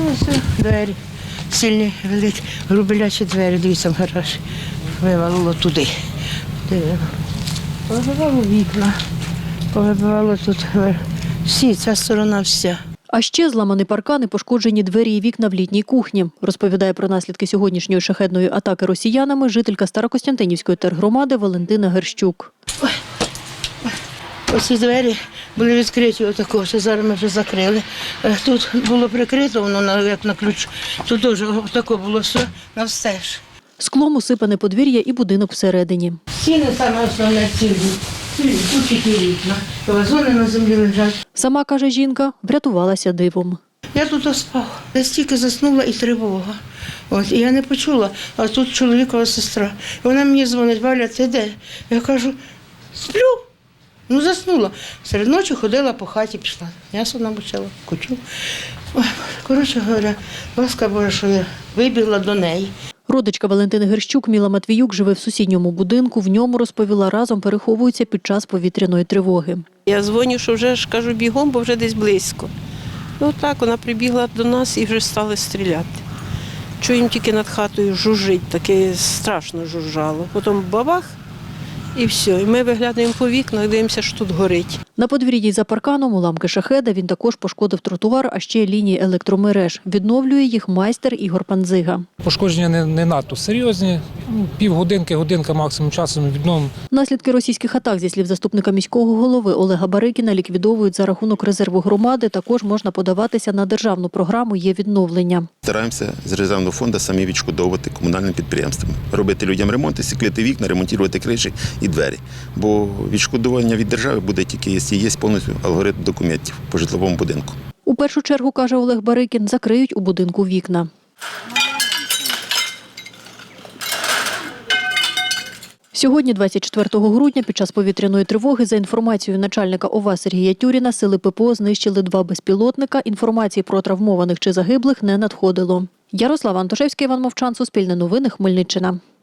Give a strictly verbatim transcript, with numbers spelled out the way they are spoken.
ось двері сильні, великі, грубелячі двері, дивіться, в гараж. Вивалило туди. Повибивало вікна, повибивало тут всі, ця сторона вся. А ще зламані паркани, пошкоджені двері і вікна в літній кухні. Розповідає про наслідки сьогоднішньої шахедної атаки росіянами жителька Старокостянтинівської тергромади Валентина Герщук. Ой, ой. Ось ці двері були відкриті отако, що зараз ми вже закрили. Тут було прикрито, воно як на ключ. Тут теж отако було все навстеж. Склом усипане подвір'я і будинок всередині. Стіни саме основне цілі. Цілі, тут тільки вікна. Вазони на землі лежать. Сама, каже жінка, врятувалася дивом. Я тут спав. Я стільки заснула і тривога. От, і я не почула, а тут чоловікова сестра. І вона мені дзвонить: Валя, ти де? Я кажу: сплю. Ну, заснула. Серед ночі ходила по хаті, пішла. М'ясо намочила, кучу. Ой, коротше говоря, ласка Божа, що я вибігла до неї. Родичка Валентини Герщук Міла Матвіюк живе в сусідньому будинку. В ньому, розповіла, разом переховуються під час повітряної тривоги. Я дзвоню, що вже ж кажу бігом, бо вже десь близько. Ну так, вона прибігла до нас і вже стали стріляти. Чуємо тільки над хатою жужжить, таке страшно жужжало. Потім бабах і все. І ми виглядаємо по вікнах, дивимося, що тут горить. На подвір'ї за парканом уламки шахеда. Він також пошкодив тротуар, а ще лінії електромереж. Відновлює їх майстер Ігор Панзига. Пошкодження не, не надто серйозні. Ну, півгодинки, годинка максимум часом відновимо. Наслідки російських атак, зі слів заступника міського голови Олега Барикіна, ліквідовують за рахунок резерву громади. Також можна подаватися на державну програму «Є відновлення». Стараємося з резервного фонду самі відшкодовувати комунальним підприємствам. Робити людям ремонти, сіклити вікна, ремонтувати криші і двері. Бо відшкодування від держави буде тільки, якщо є повністю алгоритм документів по житловому будинку. У першу чергу, каже Олег Барикін, закриють у будинку вікна. Сьогодні, двадцять четвертого грудня, під час повітряної тривоги, за інформацією начальника ОВА Сергія Тюріна, сили ППО знищили два безпілотника. Інформації про травмованих чи загиблих не надходило. Ярослава Антошевська, Іван Мовчан, Суспільне новини, Хмельниччина.